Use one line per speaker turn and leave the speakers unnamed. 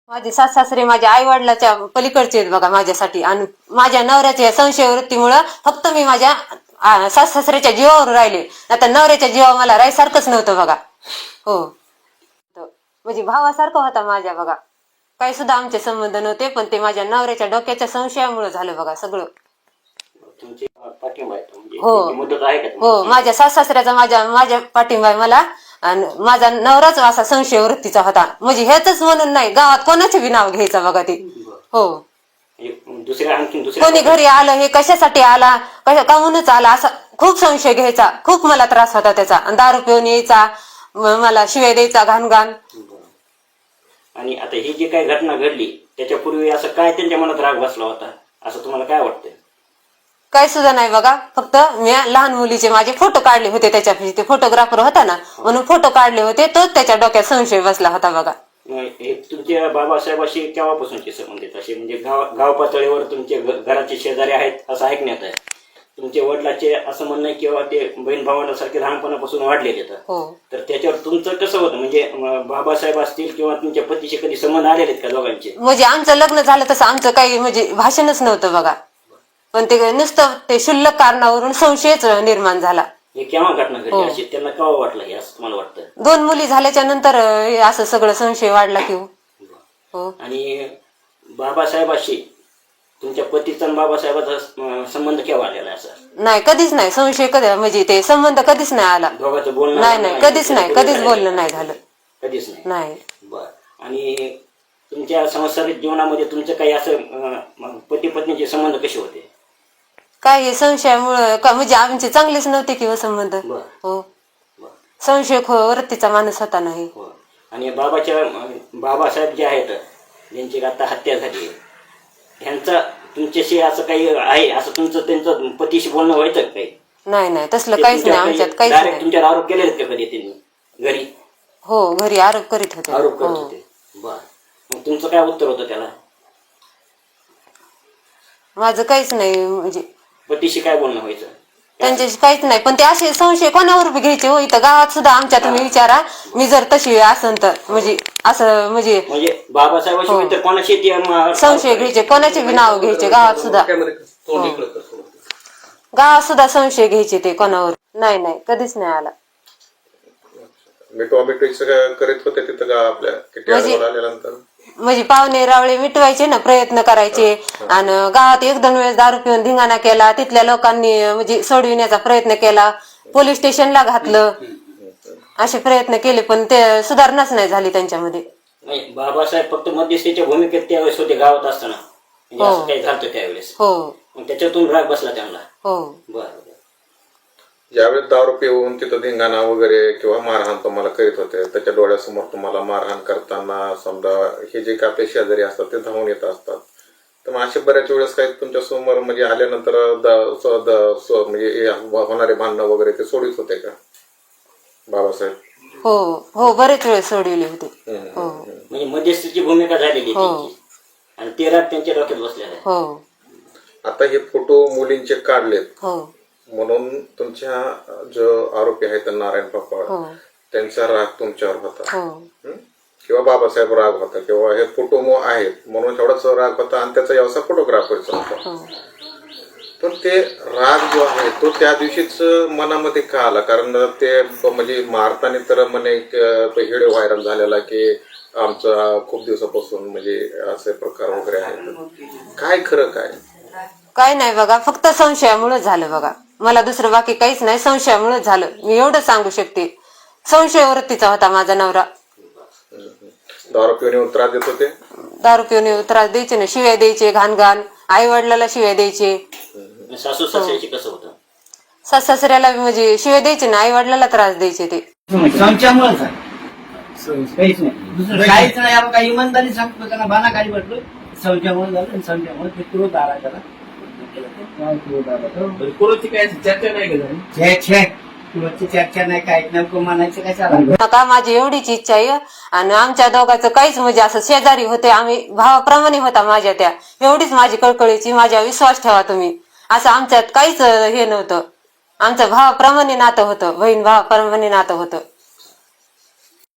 माझे सासरे माझ्या आई वडिलाच्या पलीकडचे आहेत बघा माझ्यासाठी. आणि माझ्या नवऱ्याच्या संशय वृत्तीमुळं फक्त मी माझ्या सासऱ्याच्या जीवावर राहिले. आता नवऱ्याच्या जीवावर मला राहायसारखंच नव्हतं बघा. हो, म्हणजे भावासारखं होता माझ्या बघा. काही सुद्धा आमचे संबंध नव्हते, पण ते माझ्या नवऱ्याच्या डोक्याच्या संशयामुळे झालं बघा सगळं. हो, माझ्या सासऱ्याचा माझ्या पाठिंबा आहे मला. आणि माझा नवराच असा संशय वृत्तीचा होता. म्हणजे हेच म्हणून नाही, गावात कोणाचे बी नाव घ्यायचं बघा ते. हो, कोणी घरी आलं हे कशासाठी आला, काहूनच आला असा खूप संशय घ्यायचा. खूप मला त्रास होता त्याचा. आणि दारू पिऊन यायचा, मला शिवाय द्यायचा घाण घाण.
आणि आता ही जी काही घटना घडली त्याच्यापूर्वी असं काय त्यांच्या मनात राग बसला होता असं तुम्हाला काय वाटतं?
काय सुद्धा नाही बघा. फक्त मी लहान मुलीचे माझे फोटो काढले होते, त्याच्यापाशी ते फोटोग्राफर होता ना, म्हणून फोटो काढले होते. तोच त्याच्या डोक्यात संशय बसला होता बघा.
हे तुमच्या बाबासाहेबाशी केव्हापासूनचे संबंध आहेत असे? म्हणजे गाव पातळीवर तुमचे घराचे शेजारी आहेत असं ऐकण्यात आहे. तुमच्या वडिलाचे असं म्हणणं किंवा ते बहीण भावांसारखे लहानपणापासून वाढलेले आहेत. तर त्याच्यावर तुमचं कसं होतं? म्हणजे बाबासाहेब असतील किंवा तुमच्या पतीशी कधी संबंध आलेले आहेत का दोघांचे?
म्हणजे आमचं लग्न झालं तसं आमचं काही म्हणजे भाषणच नव्हतं बघा. पण ते नुसतं ते क्षुल्लक कारणावरून संशयच निर्माण झाला.
हे केव्हा घटना घडली अशी त्यांना केव्हा वाटलं हे असं तुम्हाला वाटतं?
2 मुली झाल्याच्या नंतर असं सगळं संशय वाढला की हो.
आणि बाबासाहेबाशी तुमच्या पतीचा आणि बाबासाहेबाचा संबंध केव्हा आलेला असं?
नाही, कधीच नाही. संशय कधी म्हणजे ते संबंध कधीच नाही आला.
दोघांचं बोलणं
नाही, कधीच नाही, कधीच बोलणं नाही झालं.
कधीच
नाही.
बर. आणि तुमच्या सांसारिक जीवनामध्ये तुमचं काही असं पती पत्नीचे संबंध कसे होते?
काय हे संशयामुळं म्हणजे आमचे चांगलेच नव्हते किंवा संबंध. हो, संशय वृत्तीचा माणूस होता नाही.
आणि बाबासाहेब जे आहेत ज्यांची आता हत्या झाली, ह्यांचा तुमच्याशी असं काही आहे असं तुमचं त्यांचं पतीशी बोलणं व्हायचं काही?
नाही, तसलं काहीच नाही आमच्यात. काहीच नाही.
तुमच्यावर आरोप केलेले का कधी त्यांनी घरी?
हो, घरी आरोप करीत होते.
बर. मग तुमचं काय उत्तर होतं त्याला?
माझं काहीच नाही. म्हणजे
पतीशी काय बोलणं व्हायचं?
त्यांच्याशी काहीच नाही. पण ते असे संशय कोणावर बी घ्यायचे हो. इथं गावात सुद्धा आमच्या तुम्ही विचारा, मी जर तशी असन तर म्हणजे असं म्हणजे
बाबासाहेबाशी कोणाशी
संशय घ्यायचे, कोणाचे बी नाव घ्यायचे गावात सुद्धा. गावात सुद्धा संशय घ्यायचे ते कोणावर. नाही, कधीच नाही आला.
करीत होते तिथं आपल्या
म्हणजे पाहुणे रावळे मिटवायचे ना, प्रयत्न करायचे. आणि गावात 1-2 वेळेस दारू पिऊन धिंगाणा केला. तिथल्या लोकांनी म्हणजे सोडविण्याचा प्रयत्न केला, पोलीस स्टेशनला घातलं, असे प्रयत्न केले, पण ते सुधारणाच नाही झाली त्यांच्यामध्ये.
बाबासाहेब फक्त मध्यस्थीच्या भूमिकेत त्यावेळेस होते गावात असताना, असं काही झालं त्यावेळेस.
हो,
त्याच्यातून राग बसला त्यांना.
हो.
बरं.
ज्यावेळेस दारू पिऊन तिथं धिंगाणा वगैरे किंवा मारहाण तुम्हाला करीत होते, त्याच्या डोळ्यासमोर तुम्हाला मारहाण करताना समजा हे जे काही आपले शेजारी असतात ते धावून येत असतात, तर मग असे बऱ्याच वेळेस काही तुमच्या समोर म्हणजे आल्यानंतर म्हणजे होणारे भांडणं वगैरे ते सोडित होते का बाबासाहेब?
हो, बरेच वेळ सोडविले होते.
म्हणजे मध्यस्थीची भूमिका झालेली आणि ते राग त्यांच्या डोक्यात बसलेला आहे.
हो.
आता हे फोटो मुलींचे काढलेत.
हो.
म्हणून तुमच्या जो आरोपी आहेत नारायण पापा, त्यांचा राग तुमच्यावर होता किंवा बाबासाहेब राग होता किंवा हे फोटो आहेत म्हणून एवढाच राग होता आणि त्याचा व्यवसाय फोटोग्राफरचा होता. पण ते राग जो आहे तो त्या दिवशीच मनामध्ये का आला? कारण ते म्हणजे मारताना तर म्हणे व्हिडिओ व्हायरल झालेला की आमचा खूप दिवसापासून म्हणजे असे प्रकार वगैरे आहेत. काय खरं काय
नाही बघा, फक्त संशयामुळे झालं बघा. मला दुसरं बाकी काहीच नाही, संशयामुळे झालं. मी एवढं सांगू शकते. संशय वृत्तीचा होता माझा नवरा.
दारू पिऊन त्रास देत होते?
दारू पिऊन त्रास द्यायचे ना, शिव्या द्यायचे घाण घाण. आई वडिलाला शिव्या द्यायचे.
सासू सासऱ्याची कसं होतं?
सासऱ्याला म्हणजे शिव्या द्यायचे ना, आई वडिलाला त्रास द्यायचे ते.
संशयामुळेच काहीच नाही. आपण काही इमानदारी सांगतो त्यांना बाना काही म्हटलं संशयामुळे झालं. संशयामुळे ते क्रोध आला त्याला. चर्चा नाही, काय नेमकं म्हणायचं काय
का माझी एवढीच इच्छा आहे. आणि आमच्या दोघांचं काहीच म्हणजे असं शेजारी होते, आम्ही भावाप्रमाणे होता माझ्या त्या. एवढीच माझी कळकळीची, माझ्या विश्वास ठेवा तुम्ही. असं आमच्यात काहीच हे नव्हतं. आमचं भावाप्रमाणे नातं होतं, बहीण भावाप्रमाणे नातं होतं.